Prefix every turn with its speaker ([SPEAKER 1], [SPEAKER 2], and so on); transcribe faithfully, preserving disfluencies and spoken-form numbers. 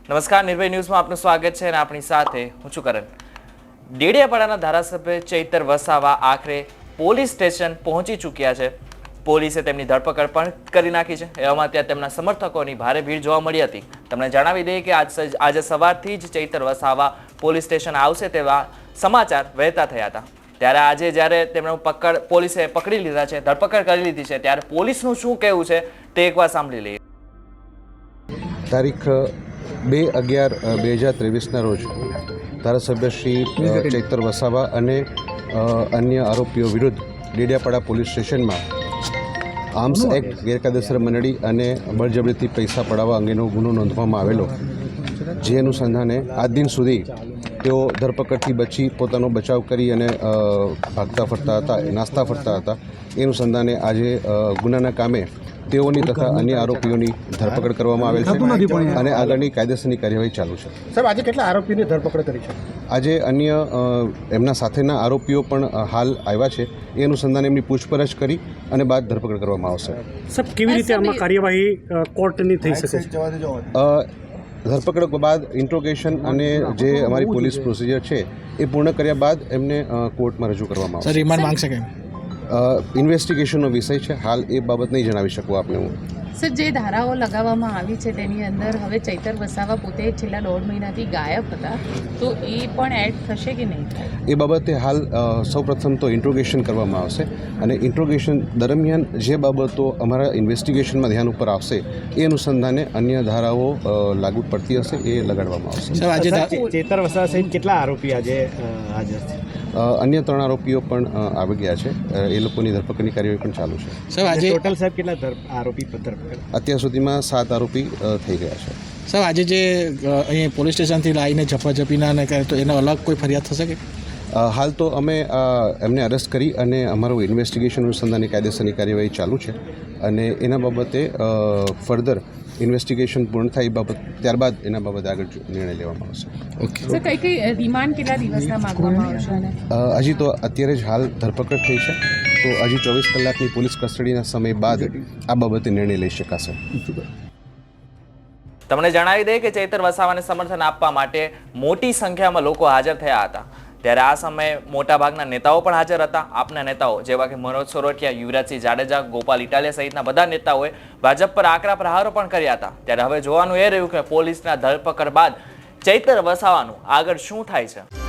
[SPEAKER 1] નમસ્કાર, નિર્ભય ન્યૂઝમાં આપનું સ્વાગત છે અને આપણી સાથે હું છું કરણ। ડેડિયાપાડાના ધારાસભ્ય ચૈતર વસાવા આખરે પોલીસ સ્ટેશન પહોંચી ચૂક્યા છે। પોલીસે તેમની ધરપકડ પણ કરી નાખી છે। એવામાં ત્યાં તેમના સમર્થકોની ભારે ભીડ જોવા મળી હતી। તમને જણાવી દઈએ કે આજ આજે સવારથી જ ચૈતર વસાવા પોલીસ સ્ટેશન આવશે તેવા સમાચાર વહેતા થયા હતા। ત્યારે આજે જ્યારે તેમનું પકડ પોલીસે પકડી લીધા છે, ધરપકડ કરી લીધી છે, ત્યારે પોલીસનું શું કહેવું છે તે એકવાર સાંભળી લઈએ।
[SPEAKER 2] તારીખ બે અગિયાર બે હજાર ત્રેવીસના રોજ ધારાસભ્ય શ્રી ચૈતર વસાવા અને અન્ય આરોપીઓ વિરુદ્ધ ડેડિયાપાડા પોલીસ સ્ટેશનમાં આર્મ્સ એક્ટ, ગેરકાયદેસર મંડળી અને બળજબરીથી પૈસા પડાવવા અંગેનો ગુનો નોંધવામાં આવેલો, જે અનુસંધાને આજ દિન સુધી તેઓ ધરપકડથી બચી પોતાનો બચાવ કરી અને ભાગતા ફરતા હતા, નાસ્તા ફરતા હતા। એ અનુસંધાને આજે ગુનાના કામે તેઓની તથા અન્ય આરોપીઓની ધરપકડ કરવામાં આવેલ છે અને આગળની કાયદેસરની કાર્યવાહી ચાલુ છે।
[SPEAKER 3] સાહેબ, આજે કેટલા આરોપીની ધરપકડ કરી છે?
[SPEAKER 2] આજે અન્ય એમના સાથેના આરોપીઓ પણ હાલ આવ્યા છે। એ અનુસંધાને એમની પૂછપરછ કરી અને બાદ ધરપકડ કરવામાં આવશે।
[SPEAKER 3] સાહેબ, કેવી રીતે આમાં કાર્યવાહી કોર્ટની થઈ શકે છે?
[SPEAKER 2] ધરપકડ બાદ ઇન્ટ્રોગેશન અને જે અમારી પોલીસ પ્રોસિજર છે એ પૂર્ણ કર્યા બાદ એમને કોર્ટમાં રજૂ કરવામાં આવશે।
[SPEAKER 3] રિમાન્ડ માંગશે કે
[SPEAKER 2] ઇન્વેસ્ટિગેશનનો વિષય છે, હાલ એ બાબત નહીં જણાવી શકું આપને હું।
[SPEAKER 4] સર, જે ધારાઓ લગાવવામાં આવી છે તેની અંદર હવે ચૈતર વસાવા પોતે છેલ્લા દોઢ મહિનાથી ગાયબ હતા, તો એ પણ એડ થશે કે નહીં થાય?
[SPEAKER 2] એ બાબતે હાલ સૌપ્રથમ તો ઇન્ટ્રોગેશન કરવામાં આવશે અને ઇન્ટ્રોગેશન દરમિયાન જે બાબતો અમારા ઇન્વેસ્ટિગેશનમાં ધ્યાન ઉપર આવશે એ અનુસંધાને અન્ય ધારાઓ લાગુ પડતી હશે એ લગાડવામાં આવશે।
[SPEAKER 3] સર, આજે ચૈતર વસાવા સહિત કેટલા આરોપી આજે હાજર છે?
[SPEAKER 2] અન્ય ત્રણ આરોપીઓ પણ આવી ગયા છે, એ લોકોની ધરપકડની કાર્યવાહી પણ ચાલુ છે।
[SPEAKER 3] સર, આજે ટોટલ સાહેબ કેટલા આરોપી ધરપકડ?
[SPEAKER 2] અત્યાર સુધીમાં સાત આરોપી થઈ ગયા છે।
[SPEAKER 5] સર, આજે જે અહીં પોલીસ સ્ટેશનથી લાવીને ઝપાઝપીના ને કરે તો એનો અલગ કોઈ ફરિયાદ થશે કે?
[SPEAKER 2] હાલ તો અમે એમને અરેસ્ટ કરી અને અમારું ઇન્વેસ્ટિગેશન અનુસંધાનની કાયદેસરની કાર્યવાહી ચાલુ છે અને એના બાબતે ફર્ધર ઇન્વેસ્ટિગેશન પૂર્ણ થાય એ બાબત ત્યારબાદ એના બાબતે આગળ નિર્ણય લેવામાં આવશે।
[SPEAKER 5] ઓકે
[SPEAKER 4] સર, કઈ કઈ રિમાન્ડ કેટલા દિવસના માંગવામાં આવશે?
[SPEAKER 2] હજી તો અત્યારે જ હાલ ધરપકડ થઈ છે, તો હજી ચોવીસ કલાકની પોલીસ કસ્ટડીના સમય બાદ આ બાબતે નિર્ણય લઈ શકાશે।
[SPEAKER 1] તમને જણાવી દઈએ કે ચૈતર વસાવાને સમર્થન આપવા માટે મોટી સંખ્યામાં લોકો હાજર થયા હતા। ત્યારે આ સમયે મોટાભાગના નેતાઓ પણ હાજર હતા। આપના નેતાઓ જેવા કે મનોજ સોરઠિયા, યુવરાજસિંહ જાડેજા, ગોપાલ ઇટાલિયા સહિતના બધા નેતાઓએ ભાજપ પર આકરા પ્રહારો પણ કર્યા હતા। ત્યારે હવે જોવાનું એ રહ્યું કે પોલીસના ધરપકડ બાદ ચૈતર વસાવાનું આગળ શું થાય છે।